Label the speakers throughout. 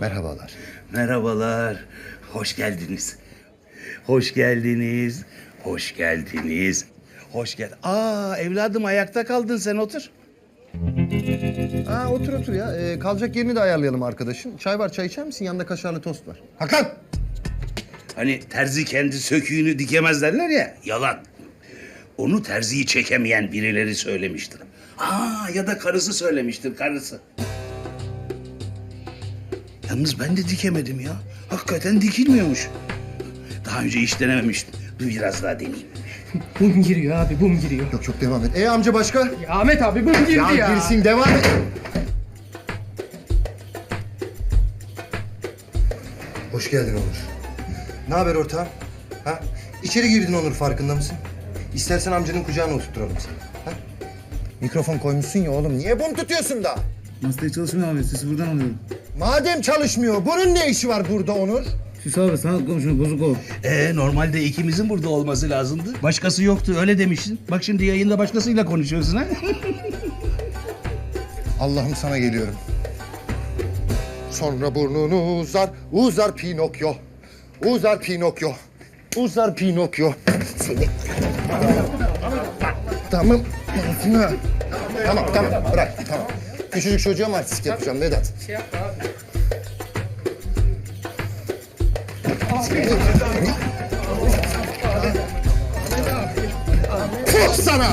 Speaker 1: Merhabalar.
Speaker 2: Merhabalar. Hoş geldiniz. Hoş geldiniz. Hoş geldiniz. Hoş gel. Evladım ayakta kaldın, sen otur.
Speaker 1: Otur otur ya. Kalacak yerini de ayarlayalım arkadaşın. Çay var, çay içer misin? Yanında kaşarlı tost var. Hakan!
Speaker 2: Hani terzi kendi söküğünü dikemez derler ya, yalan. Onu terziyi çekemeyen birileri söylemiştir. Ya da karısı söylemiştir, karısı. Yalnız ben de dikemedim ya. Hakikaten dikilmiyormuş. Daha önce hiç denememiştim. Dur biraz daha deneyeyim.
Speaker 3: Bum giriyor abi, bum giriyor.
Speaker 1: Yok çok devam et. Amca başka?
Speaker 3: Ya Ahmet abi bum girdi ya.
Speaker 1: Girsin devam et. Hoş geldin Onur. Ne haber ortağım? Ha? İçeri girdin Onur, farkında mısın? İstersen amcanın kucağına oturturalım seni. Ha? Mikrofon koymuşsun ya oğlum. Niye bum tutuyorsun da?
Speaker 4: Masaya çalışmıyor abi. Sesi buradan alıyorum.
Speaker 1: Madem çalışmıyor, bunun ne işi var burada Onur?
Speaker 4: Süs abi sanat komşunu bozuk o.
Speaker 2: Normalde ikimizin burada olması lazımdı. Başkası yoktu, öyle demiştin. Bak şimdi yayında başkasıyla konuşuyorsun ha.
Speaker 1: Allah'ım sana geliyorum. Sonra burnunu uzar, uzar Pinokyo. Uzar Pinokyo. Uzar Pinokyo. Seni... Tamam. Tamam, bırak, tamam. Küçücük çocuğa mı artistik yapacağım Vedat?
Speaker 3: Şey yapma abi.
Speaker 1: Puh sana!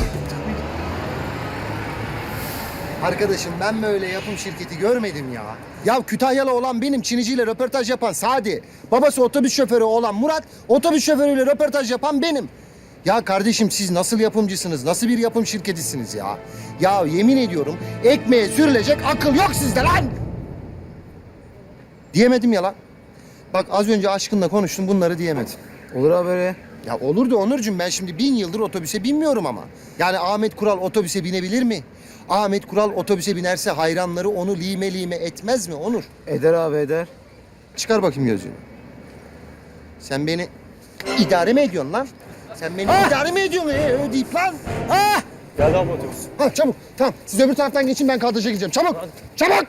Speaker 1: Arkadaşım ben böyle yapım şirketi görmedim ya. Ya Kütahyalı olan benim, Çiniciyle röportaj yapan Sadi. Babası otobüs şoförü olan Murat, otobüs şoförüyle röportaj yapan benim. Ya kardeşim siz nasıl yapımcısınız, nasıl bir yapım şirketisiniz ya? Ya yemin ediyorum ekmeğe sürülecek akıl yok sizde lan! Diyemedim ya lan. Bak az önce aşkınla konuştum, bunları diyemedim.
Speaker 4: Olur abi öyle.
Speaker 1: Ya olur da Onurcuğum, ben şimdi 1000 yıldır otobüse binmiyorum ama. Yani Ahmet Kural otobüse binebilir mi? Ahmet Kural otobüse binerse hayranları onu lime lime etmez mi Onur?
Speaker 4: Eder abi eder.
Speaker 1: Çıkar bakayım gözlüğünü. Sen beni idare mi ediyorsun lan? Sen beni idare mi ediyorsun deyip lan? Ha!
Speaker 4: Geldi abi otobüs.
Speaker 1: Ha çabuk. Tamam siz öbür taraftan geçin, ben kadraja gideceğim. Çabuk. Çabuk.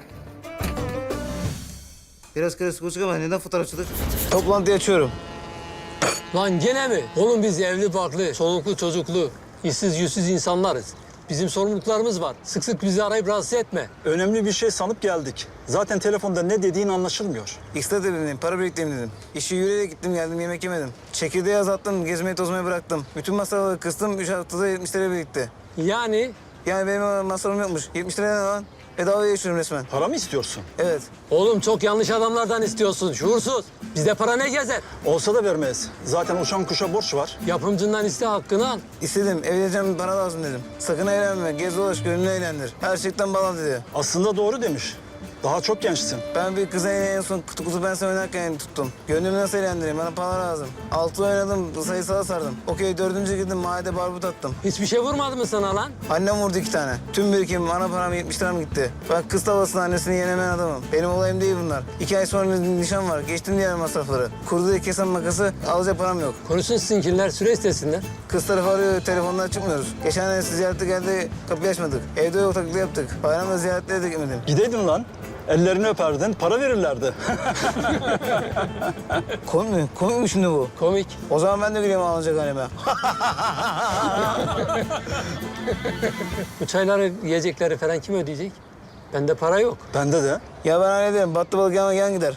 Speaker 4: Biraz karışık konuştuk ama neden fotoğrafçılık? Toplantıyı açıyorum.
Speaker 5: Lan gene mi? Oğlum biz evli barklı, çoluklu çocuklu, işsiz yüzsüz insanlarız. Bizim sorumluluklarımız var. Sık sık bizi arayıp rahatsız etme.
Speaker 6: Önemli bir şey sanıp geldik. Zaten telefonda ne dediğin anlaşılmıyor.
Speaker 7: İkisi de dedim, para biriktireyim dedim. İşi yürüyerek gittim geldim, yemek yemedim. Çekirdeği azalttım, gezmeyi tozmayı bıraktım. Bütün masrafları kıstım, 3 haftada 70 lira birikti.
Speaker 5: Yani
Speaker 7: Yani benim masrafım yokmuş. 70 lira ne lan? Bedavaya yaşıyorum resmen.
Speaker 6: Para mı istiyorsun?
Speaker 7: Evet.
Speaker 5: oğlum çok yanlış adamlardan istiyorsun, şuursuz. Bizde para ne gezer?
Speaker 6: Olsa da vermez. Zaten uçan kuşa borç var.
Speaker 5: Yapımcından iste, hakkını al.
Speaker 7: İstedim, evleneceğim, para lazım dedim. Sakın eğlenme, gez dolaş, gönlünü eğlendir. Her şeyden bağlan dedi.
Speaker 6: Aslında doğru demiş. Daha çok gençsin.
Speaker 7: Ben bir kıza en son kutu ben oynarken tuttum. Gönlümü nasıl eğlendireyim? Bana para lazım. 6 oynadım, sayısala sardım. Okey, 4. girdim, mahallede barbut attım.
Speaker 5: Hiçbir şey vurmadı mı sana lan?
Speaker 7: Annem vurdu 2 tane. Tüm birikimim, ana param 70 liram gitti. Bak kız tavlasının annesini yenemeyen adamım. Benim olayım değil bunlar. 2 ay sonra nişan var. Geçtim diğer masrafları. Kurdu diye kesen makası, alacak param yok.
Speaker 5: Konuşsun sizinkiler, süre istesinler.
Speaker 7: Kız tarafı arıyor, telefondan çıkmıyoruz. Geçen ay ziyarete geldi, kapıyı açmadık. Evde yok, taklit yaptık. Bayramda ziyaretlere de gitmedim.
Speaker 6: Gideydin lan. Ellerini öperdin, para verirlerdi.
Speaker 7: Komik mi? Komik mi şimdi bu?
Speaker 5: Komik.
Speaker 7: O zaman ben de gülüyorum alınacak halime.
Speaker 5: Bu çayları, yiyecekleri falan kim ödeyecek? Bende para yok.
Speaker 6: Bende de.
Speaker 7: Ya ben hallederim. Battı balık yan gider.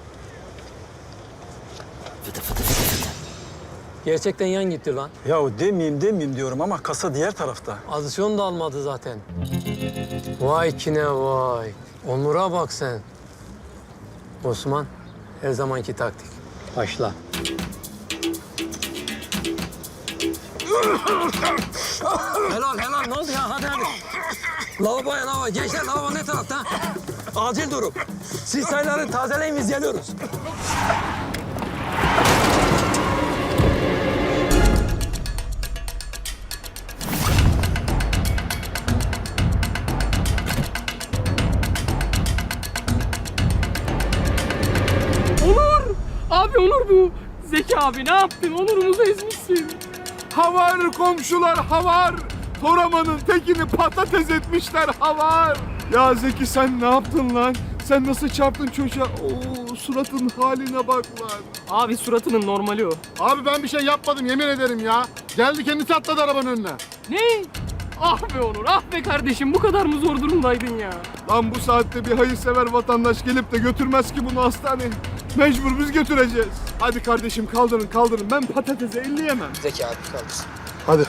Speaker 5: Gerçekten yan gitti lan.
Speaker 6: Yahu demeyeyim diyorum ama kasa diğer tarafta.
Speaker 5: Adisyon da almadı zaten. Vay kine vay. Onur'a bak sen. Osman, her zamanki taktik. Başla. helal. Ne oldu ya? Hadi. Lavaboya. Gençler lavabo ne tarafta? Acil durum. Siz sayıları tazeleyin, biz geliyoruz.
Speaker 3: Abi Onur bu. Zeki abi ne yaptın? Onur'umuzu ezmişsin.
Speaker 8: Havar komşular havar. Toraman'ın tekini patates etmişler havar. Ya Zeki sen ne yaptın lan? Sen nasıl çarptın çocuğa? Oo, suratın haline bak lan.
Speaker 3: Abi suratının normali o.
Speaker 8: Abi ben bir şey yapmadım yemin ederim ya. Geldi kendisi atladı arabanın önüne.
Speaker 3: Ne? Ah be Onur, ah be kardeşim, bu kadar mı zor durumdaydın ya?
Speaker 8: Lan bu saatte bir hayırsever vatandaş gelip de götürmez ki bunu hastaneye. Mecbur biz götüreceğiz. Hadi kardeşim kaldırın. Ben patatese elleyemem.
Speaker 7: Zeki abi kaldırsın.
Speaker 8: Hadi.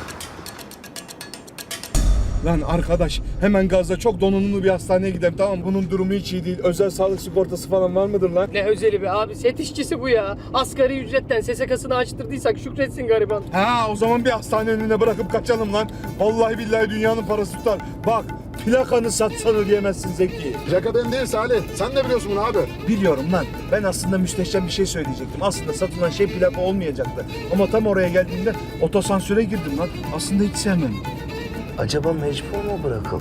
Speaker 8: Lan arkadaş hemen gazla çok donanımlı bir hastaneye gidelim tamam mı? Bunun durumu hiç iyi değil. Özel sağlık sigortası falan var mıdır lan?
Speaker 3: Ne özeli be abi, set işçisi bu ya. Asgari ücretten SSK'sını açtırdıysak şükretsin gariban.
Speaker 8: Ha o zaman bir hastane önüne bırakıp kaçalım lan. Vallahi billahi dünyanın parası tutar. Bak plakanı satsanı diyemezsin Zeki.
Speaker 9: Plaka benim değil Salih. Sen de biliyorsun bunu abi.
Speaker 8: Biliyorum lan. Ben aslında müsteşem bir şey söyleyecektim. Aslında satılan şey plaka olmayacaktı. Ama tam oraya geldiğimde otosansüre girdim lan. Aslında hiç sevmem.
Speaker 7: Acaba mecbur mu bırakıldı?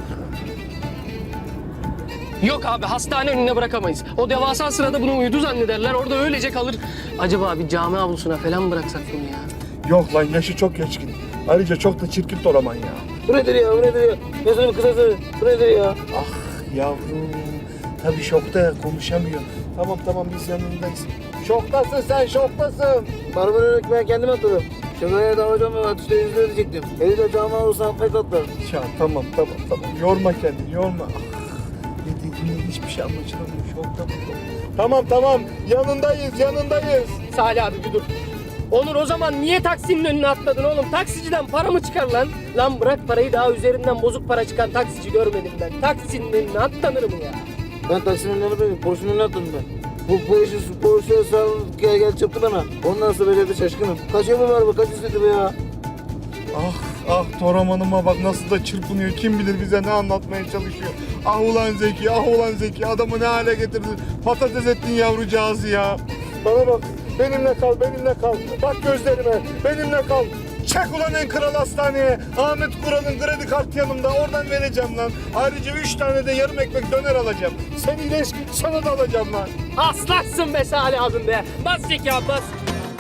Speaker 3: Yok abi, hastane önüne bırakamayız. O devasa sırada bunu uyudu zannederler, orada öylece kalır. Acaba bir cami avlusuna falan bıraksak bunu ya?
Speaker 8: Yok lan yaşı çok geçkin. Ayrıca çok da çirkin Toraman ya.
Speaker 7: Bu nedir ya? Gözünün kısası. Bu nedir ya?
Speaker 8: Ah yavrum. Tabii şokta ya konuşamıyor. Tamam biz yanındayız. Şoktasın sen şoktasın.
Speaker 7: Arabanın ben kendim atladım. Şoföre davacağım ve atışta yüzde ödeyecektim. Eli de cami avlusuna atmayı atlar.
Speaker 8: Ya tamam. Yorma kendini yorma. Ah, ne dediğinde hiçbir şey anlaşılamıyor. Şokta bu. Tamam yanındayız.
Speaker 3: Salih abi bir dur. Onur o zaman niye taksinin önüne atladın oğlum? Taksiciden para mı çıkar lan? Lan bırak parayı, daha üzerinden bozuk para çıkan taksici görmedim ben. Taksinin önüne atlanır mı ya?
Speaker 7: Ben taksinin önüne atladım. Polisin önüne atladım ben. Bu işi polise sağ gel çarptı bana. Ondan sonra becerdi şaşkınım. Kaç yıl var bu? Kaç istedi bu ya?
Speaker 8: Ah Toraman'ıma bak nasıl da çırpınıyor. Kim bilir bize ne anlatmaya çalışıyor. Ah ulan Zeki adamı ne hale getirdin. Patates ettin yavrucağızı ya. Bana bak benimle kal. Bak gözlerime benimle kal. Çek ulan en kral hastaneye. Ahmet Kural'ın kredi kartı yanımda. Oradan vereceğim lan. Ayrıca 3 tane de yarım ekmek döner alacağım. Sen iyileş sana da alacağım lan.
Speaker 3: Aslaksın be Salih abim be. Bas Zeki abi bas.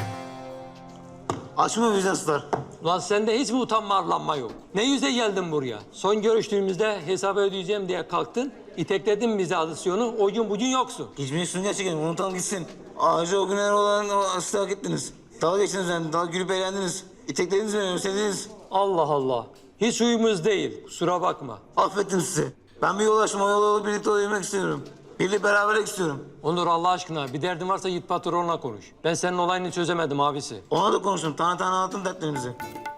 Speaker 7: Açma vicdansızlar.
Speaker 5: Lan sende hiç mi utanma arlanma yok? Ne yüze geldin buraya? Son görüştüğümüzde hesabı ödeyeceğim diye kalktın. İtekledin bize adisyonu. O gün bugün yoksun.
Speaker 7: Geçmeyi gerçekten unutalım gitsin. Ayrıca o günler olan o aslı hak ettiniz. Dalga geçtiniz yani. Daha gülüp eğlendiniz. İteklediniz beni, özlediniz.
Speaker 5: Allah Allah. Hiç uyumuz değil. Kusura bakma.
Speaker 7: Affettim sizi. Ben bir yol açtım. O yola birlikte olabilmek istiyorum. Birlikte beraberlik istiyorum.
Speaker 5: Onur Allah aşkına bir derdin varsa git patronla konuş. Ben senin olayını çözemedim abisi.
Speaker 7: Ona da konuştum. Tane anlattım dertlerimizi.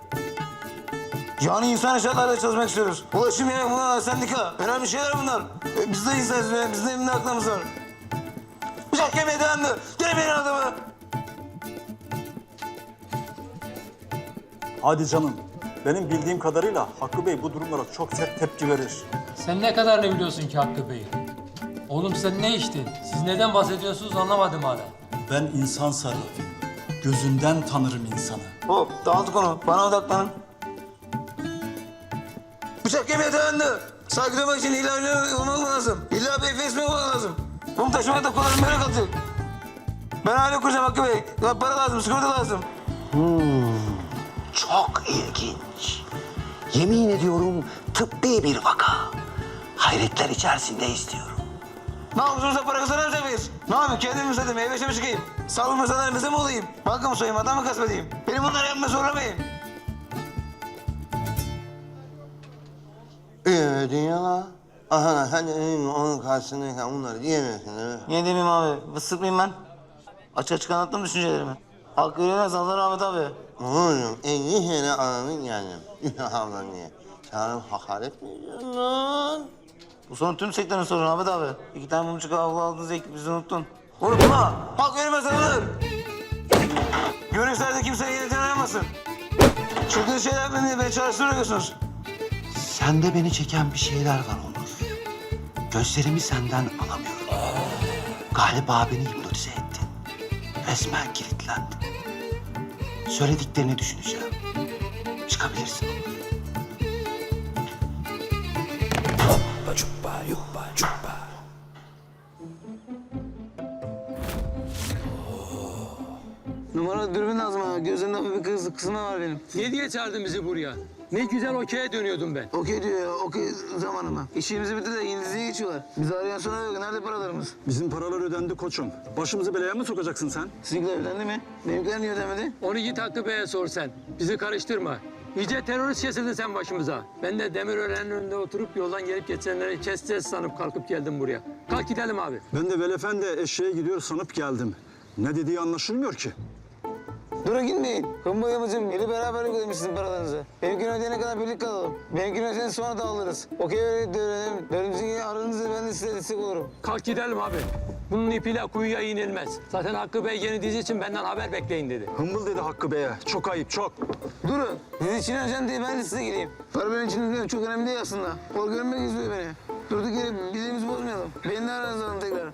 Speaker 7: Yani insan eşyalarla çalışmak istiyoruz. Ulaşım yeri bunlar, sendika. Önemli şeyler bunlar. Biz de insanız, bizim de evinde aklımız var. Bıçak kemiğe dayandı. Gelmeyin adamı.
Speaker 6: Hadi canım. Benim bildiğim kadarıyla Hakkı Bey bu durumlara çok sert tepki verir.
Speaker 5: Sen ne kadar ne biliyorsun ki Hakkı Bey? Oğlum sen ne içtin? Siz neden bahsediyorsunuz anlamadım hala.
Speaker 6: Ben insan sarrafıyım. Gözünden tanırım insanı.
Speaker 7: Hop, dağıttık onu. Bana odaklanın. Bıçak kemiğe dayandı. Saygı duymak için illa öyle olmak lazım. İlla bir efes mi olmak lazım? Bunu taşımak da kolay böyle kalacak. Ben aile kuracağım Hakkı Bey. Ya para lazım, sigorta lazım.
Speaker 10: Çok ilginç. Yemin ediyorum tıbbi bir vaka. Hayretler içerisinde istiyorum.
Speaker 7: Ne yapıyorsunuz da para kazanamayacak mıyız? Ne yapayım? Kendim mi satayım? Meyve mi çıkayım? Sağlık mesalarınıza mı olayım? Banka mı soyayım? Adam mı gasp edeyim? Beni bunları yapmaya zorlamayın.
Speaker 10: Dünya aha sen onun karşısındayken onları diyemiyorsun değil mi?
Speaker 7: Niye demeyeyim abi? Fıstık mıyım ben? Açık anlattım düşüncelerimi. Hakkı öğrenemez Allah rahmet abi.
Speaker 10: Oğlum 50 sene ananın geldim. Ablan diye. Sen hakaret mi ediyorsun lan?
Speaker 7: Bu sorun tüm sektörün sorunu Ahmet abi. 2 tane mumcuk avlu aldınız ekip bizi unuttun. Unutma! Halk öğrenmez alınır! Görüşlerde kimseyi yeniden arayamasın. Çılgın şeyler beni çalıştırıyorsunuz.
Speaker 10: Sende beni çeken bir şeyler var Onur. Gözlerimi senden alamıyorum. Galiba beni hipnotize ettin. Resmen kilitlendim. Söylediklerini düşüneceğim. Çıkabilirsin Onur. Hoppa çuppa yuppa çuppa.
Speaker 7: Numara dürbün lazım abi. Gözlerimde hafif bir kısma var benim.
Speaker 5: Ne diye çağırdın bizi buraya? Ne güzel okey'e dönüyordum ben.
Speaker 7: Okey diyor ya, okey zamanı mı? İşimizi bitti de İngilizce'ye geçiyorlar. Bizi arayan sonra yok. Nerede paralarımız?
Speaker 6: Bizim paralar ödendi koçum. Başımızı belaya mı sokacaksın sen?
Speaker 7: Sizinkiler ödendi mi? Benimkiler niye ödemedi?
Speaker 5: Onu git Hakkı Bey'e sor sen. Bizi karıştırma. İyice terörist kesildin sen başımıza. Ben de Demirören'in önünde oturup yoldan gelip geçenleri keseceğiz sanıp kalkıp geldim buraya. Kalk gidelim abi.
Speaker 6: Ben de Velefendi eşeğe gidiyor sanıp geldim. Ne dediği anlaşılmıyor ki.
Speaker 7: Durun gitmeyin. Hımba yapacağım. Yeni beraber ödemiş sizin paralarınızı. Benimkini ödeyene kadar birlik kalalım. Benimkini ödeyene sonra dağılırız. Okey öyle dönelim. Dönümüzün aranızda ben de size destek olurum.
Speaker 5: Kalk gidelim abi. Bunun ipiyle kuyuya inilmez. Zaten Hakkı Bey yeni dizi için benden haber bekleyin dedi.
Speaker 6: Hımbıl dedi Hakkı Bey'e. Çok ayıp, çok.
Speaker 7: Durun. Dizi için ajan diye ben de size geleyim. Para benim için çok önemli değil aslında. O görmek istiyor beni. Durduk yere bizimizi bozmayalım. Beni de aranızda alın tekrar.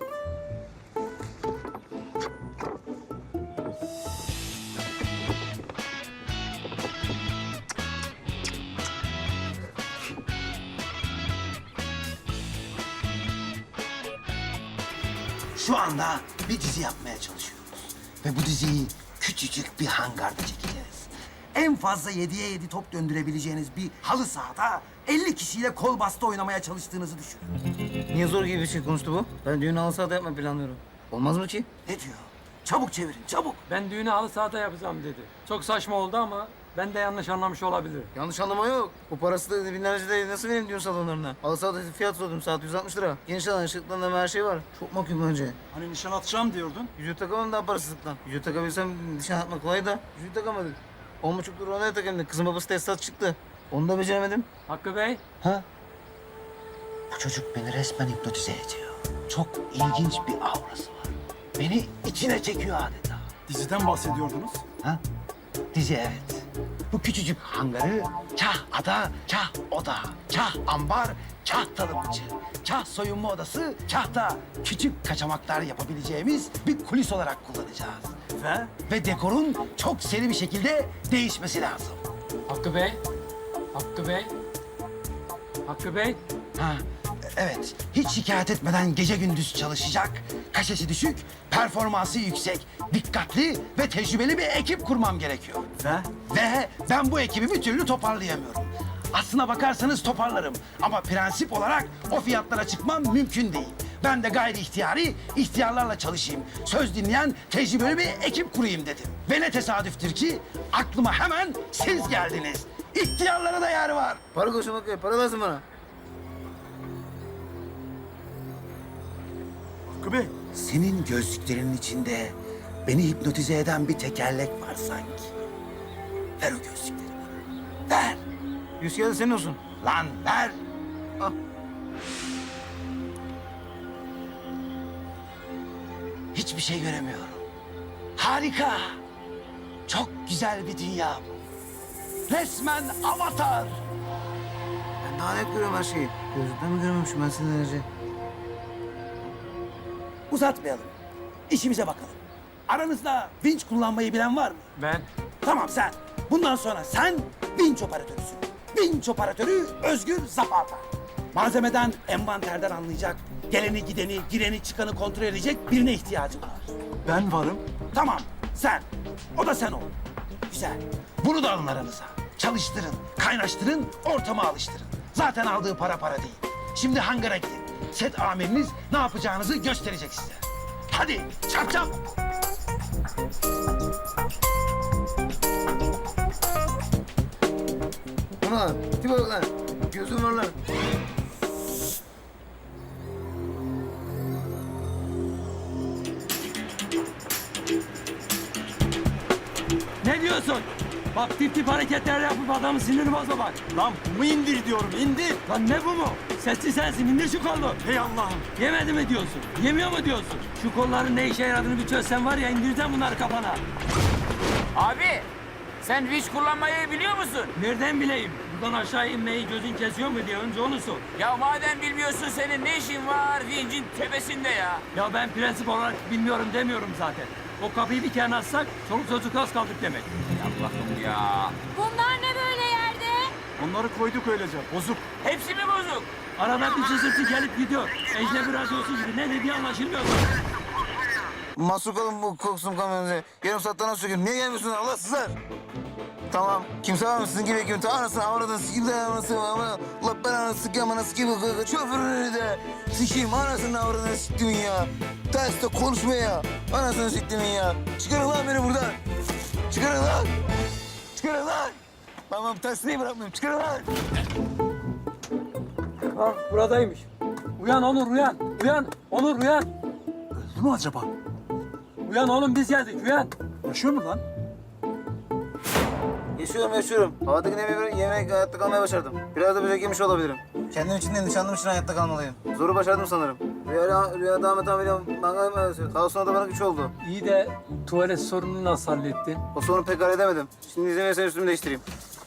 Speaker 11: Şu anda bir dizi yapmaya çalışıyoruz. Ve bu diziyi küçücük bir hangarda çekeceğiz. En fazla 7'ye 7 top döndürebileceğiniz bir halı sahada 50 kişiyle kol bastı oynamaya çalıştığınızı düşünün.
Speaker 7: Niye zor gibi bir şey konuştu bu? Ben düğün halı sahada yapmayı planlıyorum. Olmaz mı ki?
Speaker 11: Ne diyor? Çabuk çevirin, çabuk.
Speaker 5: Ben düğünü halı sahada yapacağım dedi. Çok saçma oldu ama ben de yanlış anlamış olabilirim.
Speaker 7: Yanlış anlama yok. Bu parası da binlerce de nasıl vereyim düğün salonlarına? Halı sahada fiyat sordum saat 160 lira. Geniş alan ışıklandırma her şey var. Çok mahkum bence.
Speaker 6: Hani nişan atacağım diyordun.
Speaker 7: Yüzüğü takamam daha parasızlıktan. Yüzüğü takabilsem nişan atmak kolay da. Yüzüğü takamadık. 10,5 lira ona takamadık. Kızın babası tesisat çıktı. Onu da beceremedim.
Speaker 5: Hakkı Bey,
Speaker 11: Bu çocuk beni resmen hipnotize ediyor. Çok ilginç bir aurası var. Beni içine çekiyor adeta.
Speaker 6: Diziden bahsediyordunuz.
Speaker 11: Ha? Dizi evet. Bu küçücük hangarı kah ada, kah oda, kah ambar, kah tarımcı, kah soyunma odası, kah da küçük kaçamaklar yapabileceğimiz bir kulis olarak kullanacağız. Ve dekorun çok seri bir şekilde değişmesi lazım.
Speaker 5: Hakkı Bey, Hakkı Bey, Hakkı Bey.
Speaker 11: Ha, evet. Hiç şikayet etmeden gece gündüz çalışacak, kaşesi düşük, performansı yüksek, dikkatli ve tecrübeli bir ekip kurmam gerekiyor. Ve ben bu ekibi bir türlü toparlayamıyorum. Aslına bakarsanız toparlarım ama prensip olarak o fiyatlara çıkmam mümkün değil. Ben de gayri ihtiyari, ihtiyarlarla çalışayım. Söz dinleyen tecrübeli bir ekip kurayım dedim. Ve ne tesadüftür ki aklıma hemen siz geldiniz. İhtiyarlara da yer var.
Speaker 7: Para koşmak yok. Para lazım bana.
Speaker 6: Hakkı Bey.
Speaker 11: Senin gözlüklerinin içinde beni hipnotize eden bir tekerlek var sanki. Ver o gözlükleri bana. Ver.
Speaker 7: 100 kağıdı senin olsun.
Speaker 11: Lan ver.
Speaker 7: Al.
Speaker 11: Hiçbir şey göremiyorum. Harika. Çok güzel bir dünya bu. Resmen avatar.
Speaker 7: Ben daha net görüyorum her şeyi. Gözlükten mi görmemişim ben seni önce?
Speaker 11: Uzatmayalım. İşimize bakalım. Aranızda vinç kullanmayı bilen var mı?
Speaker 5: Ben.
Speaker 11: Tamam sen. Bundan sonra sen vinç operatörüsün. Vinç operatörü Özgür Zapata. Malzemeden, envanterden anlayacak, geleni gideni, gireni çıkanı kontrol edecek birine ihtiyacım var.
Speaker 6: Ben varım.
Speaker 11: Tamam, sen. O da sen ol. Güzel. Bunu da alın aranıza. Çalıştırın, kaynaştırın, ortama alıştırın. Zaten aldığı para değil. Şimdi hangara gidin. Set amiriniz ne yapacağınızı gösterecek size. Hadi, çap çap.
Speaker 7: Ulan tipe bak lan. Gözüm var lan.
Speaker 5: Ne diyorsun? Bak tip tip hareketler yapıp adamın sinirini bozma bak.
Speaker 6: Lan bu mu indir diyorum, indir.
Speaker 5: Lan ne bu mu? Sesli sensin, indir şu kolu.
Speaker 6: Hey Allah'ım.
Speaker 5: Yemedi mi diyorsun? Yemiyor mu diyorsun? Şu kolların ne işe yaradığını bir çözsen var ya indireceğim bunları kafana.
Speaker 3: Abi sen vinç kullanmayı biliyor musun?
Speaker 5: Nereden bileyim? Buradan aşağı inmeyi gözün kesiyor mu diye önce onu sor.
Speaker 3: Ya madem bilmiyorsun senin ne işin var vincin tepesinde ya?
Speaker 5: Ya ben prensip olarak bilmiyorum demiyorum zaten. O kapıyı bir kenara atsak çoluk çocuk az kaldık demek.
Speaker 3: Allah'ım ya.
Speaker 12: Bunlar ne böyle yerde?
Speaker 6: Onları koyduk öylece, bozuk.
Speaker 3: Hepsi mi bozuk?
Speaker 5: Arada bir sızırtı gelip gidiyor. Ecnebi radyosu gibi ne dediği anlaşılmıyor.
Speaker 7: Mahsur kalın bu koksun kamyonunuza. Yarım saatten az söküyorum. Niye gelmiyorsunuz Allahsızlar? Tamam. Kimse var mı sizin gibi ekibin? Anasını avradını sikeyim de anasını ama. Ulan ben anasını sikeyim anasını sikeyim. Şoförünü de sikeyim anasını avradını siktimin ya. Terste konuşma ya. Anasını siktimin ya. Çıkarın lan beni buradan. Çıkarın lan. Çıkarın lan. Tamam tersliği bırakmayayım. Çıkarın lan.
Speaker 5: Ah buradaymış. Uyan Onur uyan. Uyan Onur uyan.
Speaker 6: Öldü mü acaba?
Speaker 5: Uyan oğlum biz geldik uyan.
Speaker 6: Yaşıyor mu lan?
Speaker 7: Yaşıyorum. Havadaki nemi yemek hayatta kalmaya başardım. Biraz da böcek yemiş olabilirim. Kendim için de nişanlım için hayatta kalmalıyım. Zoru başardım sanırım. Rüyada Ahmet abiyle manga yapıyoruz. Sağ olsun o da bana güç oldu.
Speaker 5: İyi de tuvalet sorununu nasıl hallettin?
Speaker 7: O sorunu pek halledemedim. Şimdi izin verirsen üstümü değiştireyim.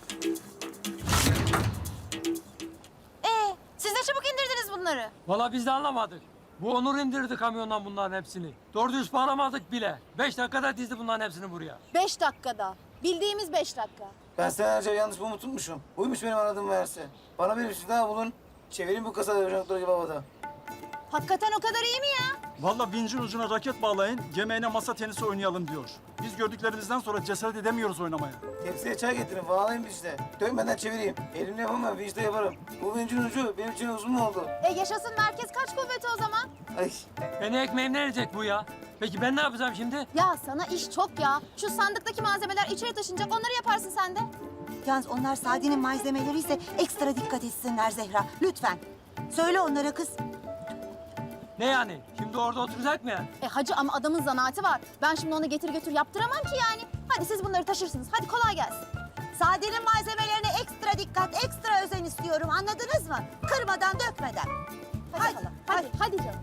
Speaker 12: Siz de çabuk indirdiniz bunları.
Speaker 5: Vallahi biz de anlamadık. Bu Onur indirdi kamyondan bunların hepsini. Doğru düz bağlamadık bile. 5 dakikada dizdi bunların hepsini buraya.
Speaker 12: 5 dakikada. Bildiğimiz 5 dakika.
Speaker 7: Ben senelerce yanlış bunu tutmuşum. Buymuş benim aradığım meğerse. Bana bir şey daha bulun. Çevireyim bu kasada ocakları gibi havada.
Speaker 12: Hakikaten o kadar iyi mi ya?
Speaker 6: Vallahi vincin ucuna raket bağlayın, yemeğine masa tenisi oynayalım diyor. Biz gördüklerimizden sonra cesaret edemiyoruz oynamaya.
Speaker 7: Tepsiye çay getirin, bağlayın bir işte. Dönmeden çevireyim. Elimle yapamam, vinçle yaparım. Bu vincin ucu benim için uzun mu oldu?
Speaker 12: Yaşasın merkez kaç kuvveti o zaman?
Speaker 7: Ay.
Speaker 5: Beni ekmeğimden yiyecek bu ya. Peki ben ne yapacağım şimdi?
Speaker 12: Ya sana iş çok ya. Şu sandıktaki malzemeler içeri taşınacak. Onları yaparsın sen de.
Speaker 13: Yalnız onlar Sadi'nin malzemeleri ise ekstra dikkat etsinler Zehra. Lütfen. Söyle onlara kız.
Speaker 5: Ne yani? Şimdi orada oturacak mı yani?
Speaker 12: Hacı ama adamın zanaati var. Ben şimdi onu getir götür yaptıramam ki yani. Hadi siz bunları taşırsınız. Hadi kolay gelsin.
Speaker 13: Sadi'nin malzemelerine ekstra dikkat, ekstra özen istiyorum. Anladınız mı? Kırmadan, dökmeden.
Speaker 12: Hadi hala. Hadi canım.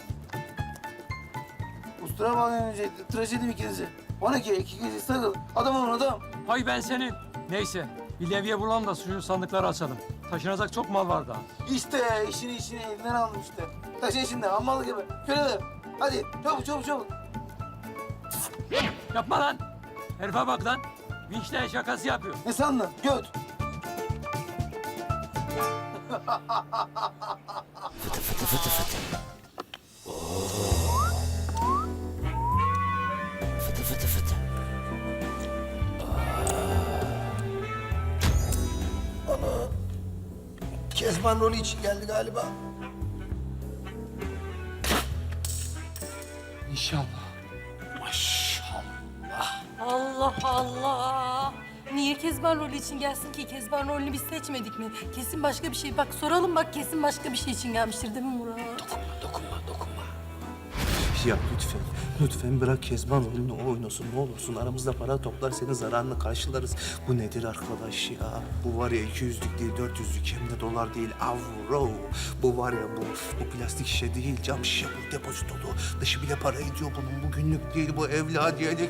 Speaker 7: Ustura bağlayın önce. Tıraş edeyim ikinizi. 2 gece sakıl. Adam olun adam.
Speaker 5: Hay ben senin. Neyse. Bir levye bulalım da şu sandıkları açalım. Taşınacak çok mal var daha.
Speaker 7: İşte işini elinden aldım işte. Taşın şimdi hammalı gibi. Köleler. Hadi çabuk.
Speaker 5: Yapma lan. Herife bak lan. Vinçle şakası yapıyor.
Speaker 7: Ne sandın? Göt.
Speaker 1: Kezban rolü için geldi galiba.
Speaker 5: İnşallah.
Speaker 14: Allah Allah. Niye Kezban rolü için gelsin ki? Kezban rolünü biz seçmedik mi? Kesin başka bir şey. Bak soralım bak kesin başka bir şey için gelmiştir değil mi Murat?
Speaker 4: Dokunma. Ya lütfen bırak Kezban oyunu oynasın ne olursun. Aramızda para toplar senin zararını karşılarız. Bu nedir arkadaş ya? Bu var ya 200'lük değil 400'lük hem de dolar değil avro. Bu var ya bu plastik şişe değil cam şişe bu depozitolu. Dışı bile para ediyor bunun. Bu günlük değil bu evladiyelik.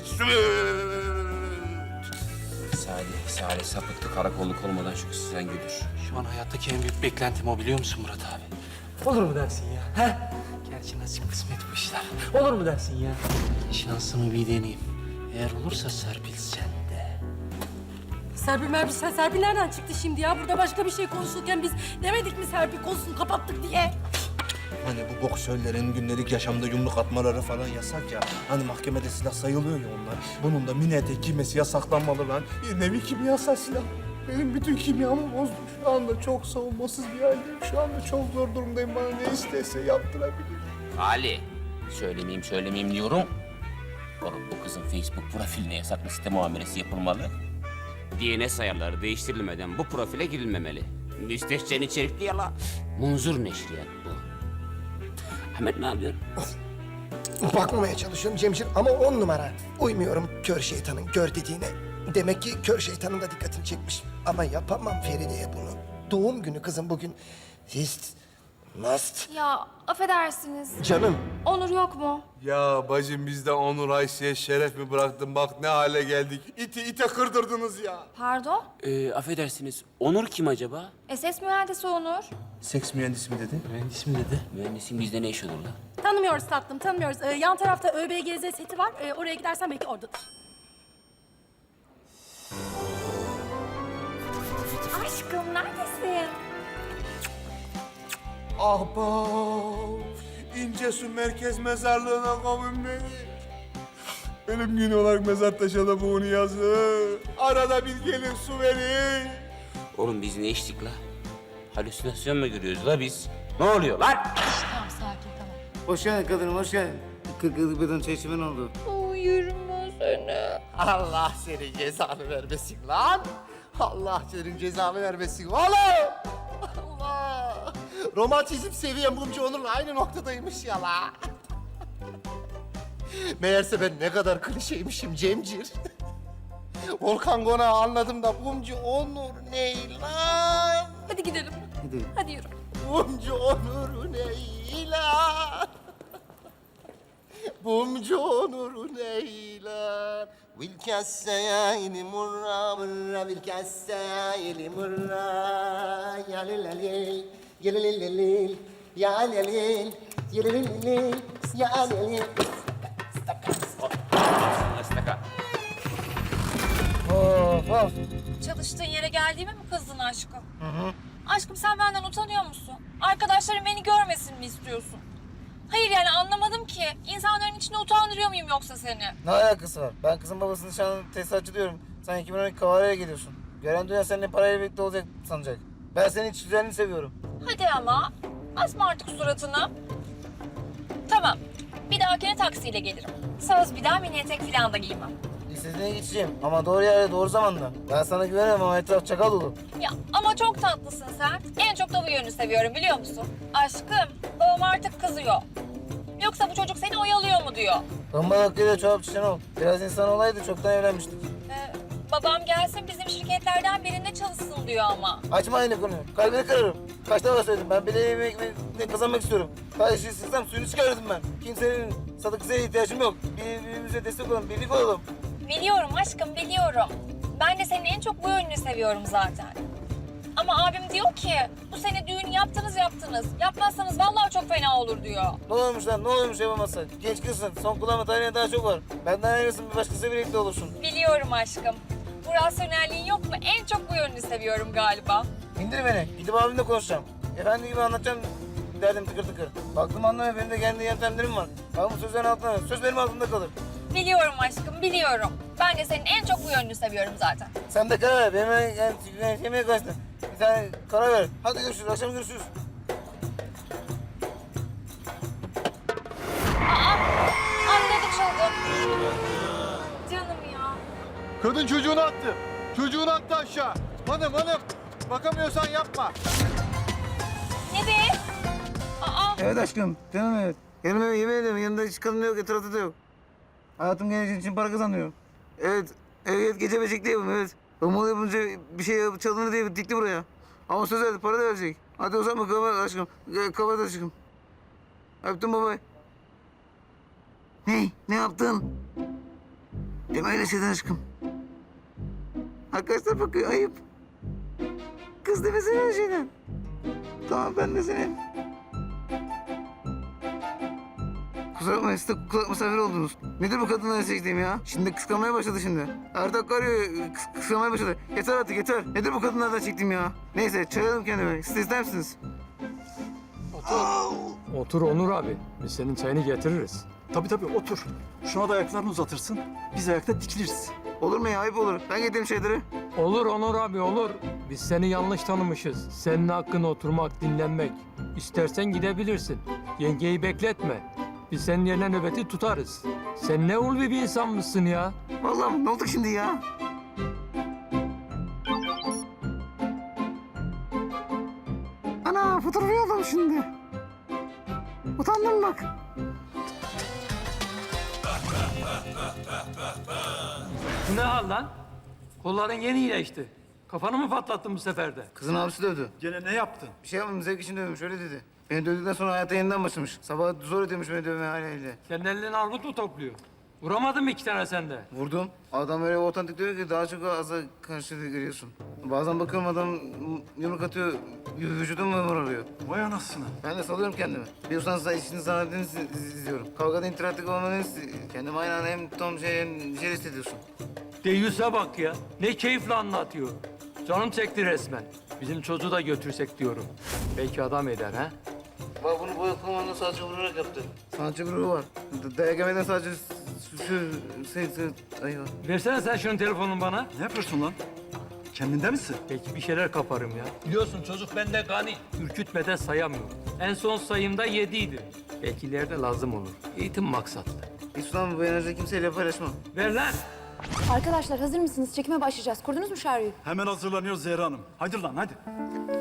Speaker 15: Salih sapıttı karakolluk olmadan şu kızı sen güdür.
Speaker 5: Şu an hayattaki en büyük beklentim o biliyor musun Murat abi? Olur mu dersin ya? He? Gerçi nasip kısmet bu işler. Olur mu dersin ya? Şansımı bir deneyeyim. Eğer olursa Serpil sen de.
Speaker 14: Serpil nereden çıktı şimdi ya? Burada başka bir şey konuşurken biz demedik mi Serpil konusunu kapattık diye?
Speaker 4: Hani bu boksörlerin günlük yaşamda yumruk atmaları falan yasak ya. Hani mahkemede silah sayılıyor ya onlar. Bunun da mini etek giymesi yasaklanmalı lan. Bir nevi kimyasal silah. Benim bütün kimyamı bozdu. Şu anda çok savunmasız bir haldeyim. Şu anda çok zor durumdayım. Bana ne istese yaptırabilir.
Speaker 15: Ali, söylemeyeyim diyorum. Oğlum bu kızın Facebook profiline yasaklı site muamelesi yapılmalı. DNS ayarları değiştirilmeden bu profile girilmemeli. Müstehcen içerikli yala. Munzur neşriyat bu. Ahmet ne yapıyorsun?
Speaker 1: Bakmamaya çalışıyorum Cemşir ama 10 numara. Uymuyorum kör şeytanın gör dediğine. Demek ki kör şeytanın da dikkatini çekmiş. Ama yapamam Feride'ye bunu. Doğum günü kızım bugün. Must.
Speaker 12: Ya affedersiniz.
Speaker 1: Canım.
Speaker 12: Onur yok mu?
Speaker 8: Ya bacım biz de Onur Ayşe'ye şeref mi bıraktın? Bak ne hale geldik. İte kırdırdınız ya.
Speaker 12: Pardon?
Speaker 15: Affedersiniz, Onur kim acaba?
Speaker 12: SS mühendisi Onur.
Speaker 4: Seks mühendisi mi dedi?
Speaker 5: Mühendis mi dedi?
Speaker 15: Mühendisin bizde ne iş olur lan?
Speaker 14: Tanımıyoruz tatlım tanımıyoruz. Yan tarafta ÖBGZ seti var. Oraya gidersen belki oradadır.
Speaker 12: Aşkım neredesin?
Speaker 8: Ahbap, İncesu Merkez Mezarlığı'na kavun beni. Ölüm günü olarak mezar taşına bunu yazın.
Speaker 4: Arada bir gelin su verin.
Speaker 15: Oğlum biz ne içtik la? Halüsinasyon mu görüyoruz la biz? Ne oluyor lan?
Speaker 14: Tamam sakin tamam.
Speaker 7: Hoş geldin kadınım, hoş geldin. 40 yıllık beden çay içimin oldu.
Speaker 8: Allah senin cezanı vermesin lan. Allah senin cezanı vermesin oğlum. Allah. Romantizm seviyem Mumcu Onur'la aynı noktadaymış ya la. Meğerse ben ne kadar klişeymişim Cemcir. Volkan Konağı anladım da Mumcu Onur ne lan?
Speaker 14: Hadi gidelim. Hadi yürü.
Speaker 8: Mumcu Onur ne lan? Mumcu Onur ne lan? Vilkesseyni murra murra vilkesseyni murra ya lelelil ya lelelil ya lelelil ya lelelil ya lelelil.
Speaker 14: Çalıştığın yere geldiğime mi kızdın aşkım? Aşkım sen benden utanıyor musun? Arkadaşlarım beni görmesin mi istiyorsun? Hayır yani anlamadım ki. İnsanların içinde utandırıyor muyum yoksa seni?
Speaker 7: Ne alakası var? Ben kızın babasının nişanlı tesisatçı diyorum. Sen 2012 Kavara'ya geliyorsun. Gören dünya seninle parayla birlikte olacak sanacak. Ben senin iç güzelliğini seviyorum.
Speaker 14: Hadi ama. Asma artık suratını. Tamam. Bir dahakine taksiyle gelirim. Söz bir daha mini etek falan da giymem.
Speaker 7: İstediğine geçeceğim ama doğru yerde doğru zamanda. Ben sana güvenemem ama etraf çakal dolu.
Speaker 14: Ya ama çok tatlısın sen. En çok da bu yönünü seviyorum biliyor musun? Aşkım, babam artık kızıyor. Yoksa bu çocuk seni oyalıyor mu diyor.
Speaker 7: Bomba hakkıyla çorap çiçen ol. Biraz insan olaydı çoktan evlenmiştik.
Speaker 14: Babam gelsin bizim şirketlerden birinde çalışsın diyor ama.
Speaker 7: Açma aynı konuyu. Kalbini kırarım. Kaç defa söyledim. Ben bile yemek kazanmak istiyorum. Kardeşi sıksam suyunu çıkarırdım ben. Kimsenin sadık kızına ihtiyacım yok. Birbirimize destek olalım, birlik olalım.
Speaker 14: Biliyorum aşkım, biliyorum. Ben de senin en çok bu yönünü seviyorum zaten. Ama abim diyor ki, bu sene düğün yaptınız. Yapmazsanız vallahi çok fena olur diyor.
Speaker 7: Ne olmuş lan? Ne olmuş yapamazsan? Genç kızsın. Son kullanma tarihine daha çok var. Benden ayrılsın bir başkasıyla birlikte olursun.
Speaker 14: Biliyorum aşkım. Bu rasyonelliğin yok mu? En çok bu yönünü seviyorum galiba.
Speaker 7: İndir beni. Gidip abimle konuşacağım. Efendi gibi anlatacağım derdim tıkır tıkır. Baktım anlamıyor. Benim de kendi yöntemlerim var. Ben bu sözlerin altında. Söz benim altında kalır.
Speaker 14: Biliyorum aşkım, biliyorum. Ben de senin en çok bu yönünü seviyorum zaten.
Speaker 7: Sen de karar ver. Benim yemeğe kaçtın. Bir tane karar ver. Hadi görüşürüz. Akşam görüşürüz.
Speaker 14: Anladık çaldı. Canım ya.
Speaker 8: Kadın çocuğunu attı. Çocuğunu attı aşağı. Hanım. Bakamıyorsan yapma.
Speaker 14: Ne be?
Speaker 7: Evet aşkım. Canım evet. Yanıma yemin ediyorum. Yanında hiç kadın da yok. Etrafta da yok. Hayatım geleceğin için para kazanıyor. Evet gece beşikte yapım evet. Olmalı yapınca bir şey çalınır diye dikti buraya. Ama söz verdi para da verecek. Hadi o zaman kapat aşkım. Kapat aşkım. Öptüm baba. Ne yaptın? Deme öyle şeyden aşkım. Arkadaşlar bakıyor ayıp. Kız demesene öyle şeyden. Tamam ben de senin. Kusura bakmayın siz de kulak misafir oldunuz. Nedir bu kadınların çektiğim ya? Şimdi kıskanmaya başladı şimdi. Her dakika arıyor kıskanmaya başladı. Yeter artık yeter. Nedir bu kadınlardan çektiğim ya? Neyse çayalım kendime. Siz de ister misiniz?
Speaker 16: Otur Onur abi. Biz senin çayını getiririz.
Speaker 6: Tabii otur. Şuna da ayaklarını uzatırsın. Biz ayakta dikiliriz.
Speaker 7: Olur mu ya? Ayıp olur. Ben getireyim şeyleri.
Speaker 16: Olur Onur abi olur. Biz seni yanlış tanımışız. Senin hakkın oturmak, dinlenmek. İstersen gidebilirsin. Yengeyi bekletme. Biz senin yerine nöbeti tutarız. Sen ne ulvi bir insan mısın ya?
Speaker 7: Vallahi ne oldu şimdi ya? Ana fotoğrafı yolladım şimdi. Utandım bak.
Speaker 16: Bu ne hal lan? Kolların yeni iyileşti. Kafanı mı patlattın bu sefer de?
Speaker 7: Kızın abisi dövdü.
Speaker 6: Gene ne yaptın?
Speaker 7: Bir şey yapmadım zevk için dövmüş öyle dedi. Beni dövdükten sonra hayata yeniden başlamış. Sabah zor ediyormuş beni dövmeye haliyle.
Speaker 16: Senin elin armut mu topluyor? Vuramadın mı iki tane sende?
Speaker 7: Vurdum. Adam öyle otantik diyor ki daha çok aza karşı görüyorsun. Bazen bakıyorum adam yumruk atıyor, vücudum mu arıyor.
Speaker 6: Vay anasını.
Speaker 7: Ben de salıyorum kendimi. Bir usansa işini zannettiğini izliyorum. Kavgada interaktif olmanı kendimi aynı anda hem tam hem şey hissediyorsun.
Speaker 16: Deyyus'a bak ya. Ne keyifle anlatıyor. Canım çekti resmen. Bizim çocuğu da götürsek diyorum. Belki adam eder ha?
Speaker 7: Bak bunu boya komanda sadece vurarak yaptı. Sanatçı grubu var. Dayak yemeden sadece
Speaker 16: Versene sen şunun telefonunu bana.
Speaker 6: Ne yapıyorsun lan? Kendinde misin?
Speaker 16: Belki bir şeyler kaparım ya. Biliyorsun çocuk bende gani. Ürkütmeden sayamıyorum. En son sayımda 7 idi. Belki ileride lazım olur. Eğitim maksatlı.
Speaker 7: İslam bu enerji kimseyle paylaşmam.
Speaker 16: Ver lan.
Speaker 12: Arkadaşlar hazır mısınız? Çekime başlayacağız. Kurdunuz mu şarjıyı?
Speaker 6: Hemen hazırlanıyoruz Zehra Hanım. Hadi lan hadi.